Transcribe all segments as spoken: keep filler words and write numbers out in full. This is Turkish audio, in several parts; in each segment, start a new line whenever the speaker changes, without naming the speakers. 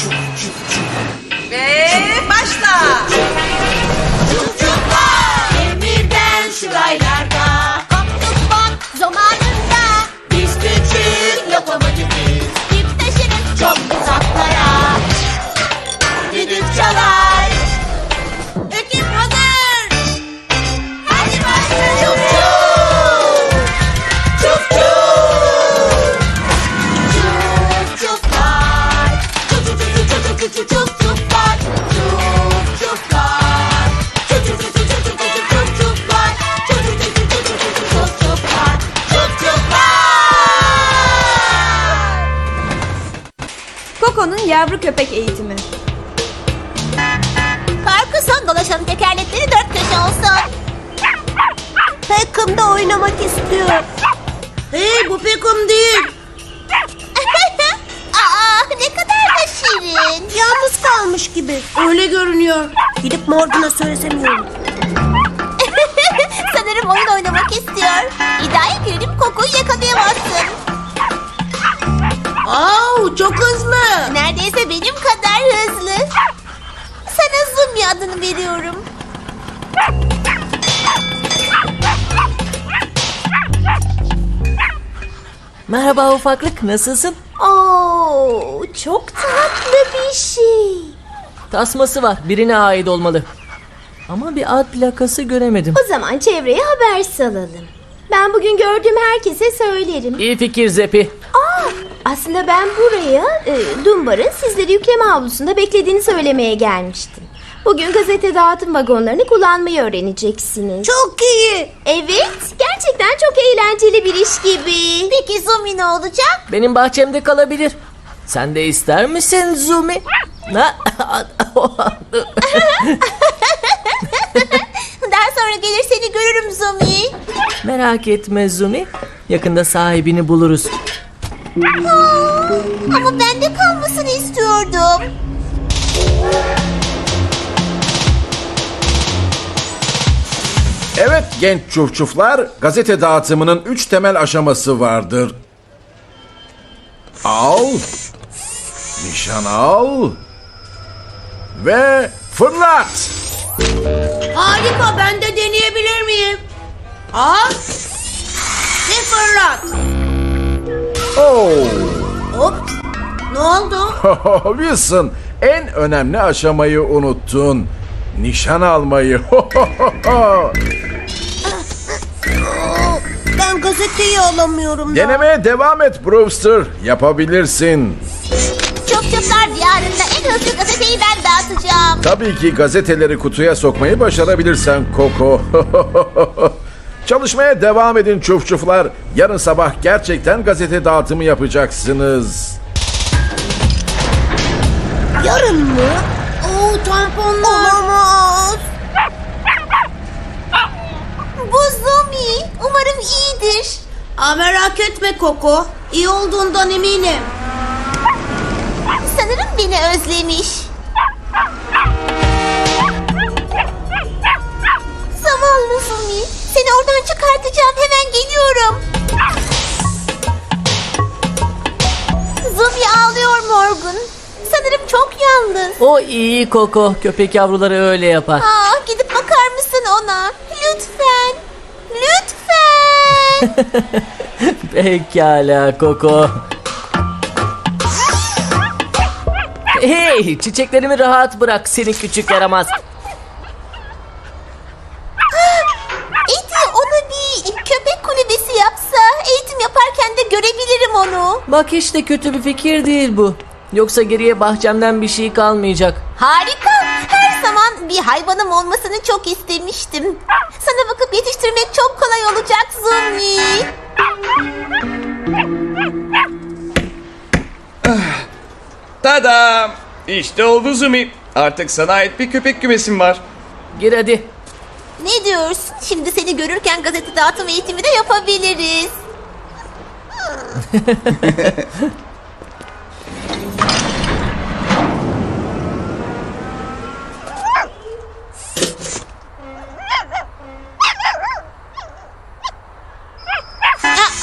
Ve başla.
Demirden şu raylarda koptuk bak zamanında. Biz küçük lokomotifiz, yük taşırız çok uzaklara. Düdük çalar, ekip hazır. Hadi başlayalım. Çuf çuf, çuf çuf, çuf çuflar. Çuf çuf çuf çuf çuf çuf çuf çuflar. Çuf çuflar. Çuf çuf çuf çuf çuf çuf çuf çuflar. Çuf çuf çuf çuf çuf çuf çuf çuflar. Çuf çuflar.
Koko'nun yavru köpek eğitimi.
Karkısan dolaşan tekerlekleri dört köşe olsun. Peckham oynamak istiyor.
Hey, bu Peckham değil.
Aa, ne kadar da şirin.
Yalnız kalmış gibi. Öyle görünüyor. Gidip Morgan'a söylesemiyorum.
Sanırım oyun oynamak istiyor. İddiaya girelim, Koko'yu yakalayamazsın.
Au, çok hızlı.
Neredeyse benim kadar hızlı. Sana Zumi adını veriyorum.
Merhaba ufaklık, nasılsın?
Oo, çok tatlı bir şey.
Tasması var, birine ait olmalı. Ama bir ad plakası göremedim.
O zaman çevreye haber salalım. Ben bugün gördüğüm herkese söylerim.
İyi fikir Zepi.
Aa, aslında ben buraya e, Dumbar'ın sizleri yükleme havlusunda beklediğini söylemeye gelmiştim. Bugün gazete dağıtım vagonlarını kullanmayı öğreneceksiniz.
Çok iyi.
Evet, gerçekten çok eğlenceli bir iş gibi.
Peki Zumi ne olacak?
Benim bahçemde kalabilir. Sen de ister misin Zumi? Ha?
Daha sonra gelir seni görürüm Zumi.
Merak etme Zumi. Yakında sahibini buluruz.
Aa, ama ben de kalmasını istiyordum.
Evet genç çufçuflar, gazete dağıtımının üç temel aşaması vardır. Al, nişan al ve fırlat.
Harika, ben de deneyebilir miyim? Al ve fırlat.
Oh,
Hop. Ne oldu?
Wilson, en önemli aşamayı unuttun. Nişan almayı.
Ben gazeteyi alamıyorum da.
Denemeye devam et Brewster. Yapabilirsin.
Çok çöpler diyarında en hızlı gazeteyi ben dağıtacağım.
Tabii ki gazeteleri kutuya sokmayı başarabilirsen Koko. Çalışmaya devam edin çufçuflar. Yarın sabah gerçekten gazete dağıtımı yapacaksınız.
Yarın mı? Oo, tamponlar. Olamaz.
Bu Zumi. Umarım iyidir.
Aa, merak etme Koko. İyi olduğundan eminim.
Sanırım beni özlemiş. Zavallı Zumi. Seni oradan çıkartacağım. Hemen geliyorum. Zumi ağlıyor Morgan. Sanırım çok yalnız.
O iyi Koko. Köpek yavruları öyle yapar.
Aa, gidip bakar mısın ona? Lütfen. Lütfen.
Pekala Koko. Hey, çiçeklerimi rahat bırak seni küçük yaramaz.
Eti ona bir köpek kulübesi yapsa eğitim yaparken de görebilirim onu.
Bak hiç de kötü bir fikir değil bu. Yoksa geriye bahçemden bir şey kalmayacak.
Harika. Her zaman bir hayvanım olmasını çok istemiştim. Sana bakıp yetiştirmek çok kolay olacak Zumi.
Tada! İşte oldu Zumi. Artık sana ait bir köpek kümesim var.
Gir hadi.
Ne diyorsun? Şimdi seni görürken gazete dağıtım eğitimi de yapabiliriz.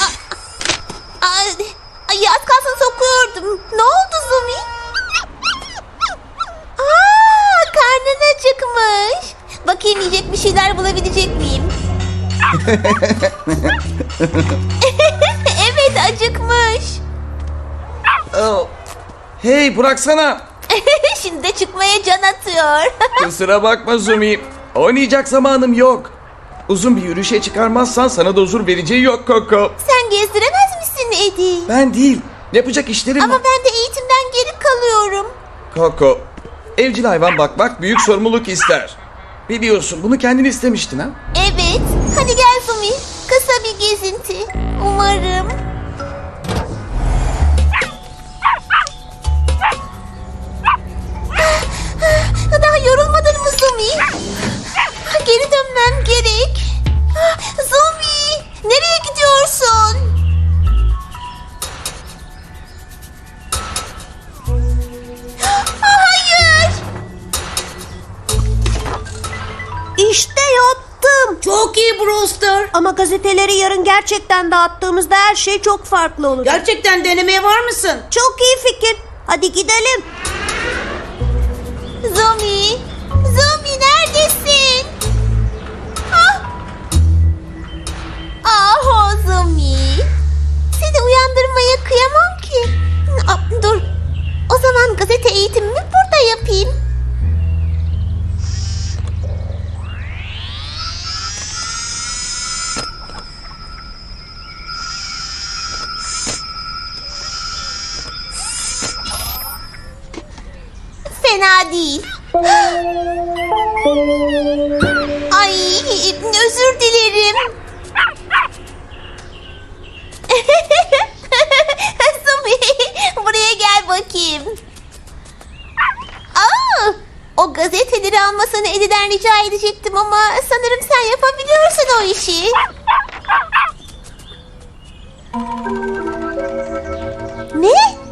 Ay, az kalsın sokuyordum. Ne oldu Zumi? alabilecek miyim? Evet, acıkmış.
Oh. Hey bıraksana.
Şimdi de çıkmaya can atıyor.
Kusura bakma Zumi. Oynayacak zamanım yok. Uzun bir yürüyüşe çıkarmazsan sana da huzur vereceği yok Koko.
Sen gezdiremez misin Eddie?
Ben değil. Yapacak işlerim
Ama
var.
ben de eğitimden geri kalıyorum.
Koko, evcil hayvan bakmak büyük sorumluluk ister. Biliyorsun bunu kendin istemiştin ha?
Evet. Hadi gel Zumi. Kısa bir gezinti. Umarım. Daha yorulmadın mı Zumi? Geri dönmem gerek. Zumi, nereye gidiyorsun? Hayır.
İşte yattım. Çok iyi Brewster. Ama gazeteleri yarın gerçekten dağıttığımızda her şey çok farklı olur.
Gerçekten denemeye var mısın?
Çok iyi fikir. Hadi gidelim.
Zumi, Zumi neredesin? Ah, ah o Zumi. Seni uyandırmaya kıyamam ki. Ah, dur, o zaman gazete eğitimimi burada yapayım. Fena değil. Ay, özür dilerim. Zumi, buraya gel bakayım. Aa, o gazeteleri almasını Eddie'den rica edecektim ama sanırım sen yapabiliyorsun o işi. Ne?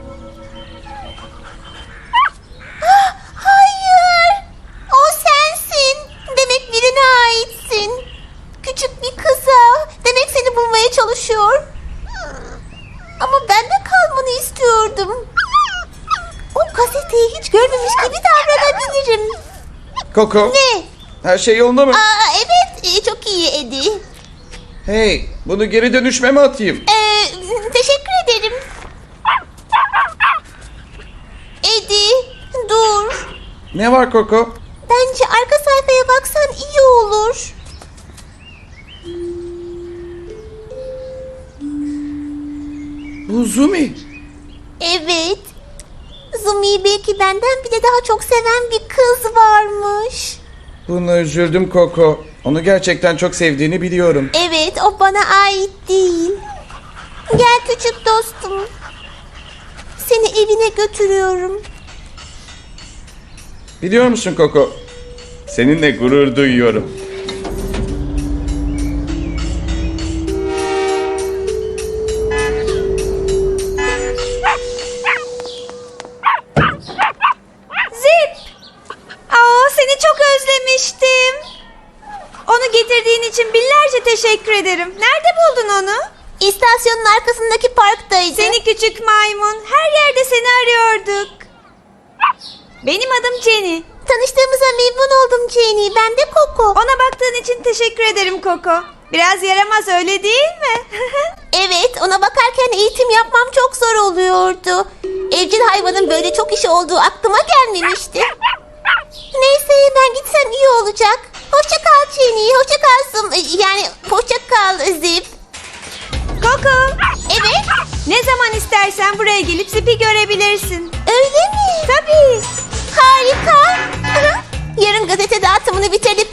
Hayır. O sensin. Demek birine aitsin. Küçük bir kıza. Demek seni bulmaya çalışıyor. Ama ben de kalmanı istiyordum. O gazeteyi hiç görmemiş gibi davranabilirim.
Koko,
Ne?
her şey yolunda mı?
Aa, evet, e, çok iyi Eddie.
Hey, bunu geri dönüşme atayım?
Ee, teşekkür ederim. Eddie, dur.
Ne var Koko?
Bence arka sayfaya baksan iyi olur.
Bu Zumi.
Evet. Zumi'yi belki benden bile daha çok seven bir kız varmış.
Buna üzüldüm Koko. Onu gerçekten çok sevdiğini biliyorum.
Evet, o bana ait değil. Gel küçük dostum. Seni evine götürüyorum.
Biliyor musun Koko? Seninle gurur duyuyorum.
Zip! Aa, seni çok özlemiştim. Onu getirdiğin için binlerce teşekkür ederim. Nerede buldun onu?
İstasyonun arkasındaki parktaydı.
Seni küçük maymun. Her yerde seni arıyorduk. Benim adım Jenny.
Tanıştığımıza memnun oldum Jenny. Ben de Coco.
Ona baktığın için teşekkür ederim Coco. Biraz yaramaz, öyle değil mi?
Evet, ona bakarken eğitim yapmam çok zor oluyordu. Evcil hayvanın böyle çok işi olduğu aklıma gelmemişti. Neyse, ben gitsem iyi olacak. Hoşça kal Jenny, hoşça kal Zim, yani hoşça kal Zip.
Coco,
Evet,
ne zaman istersen buraya gelip Zip'i görebilirsin.
öyle mi?
Tabii.
Harika. Yarın gazete dağıtımını bitirip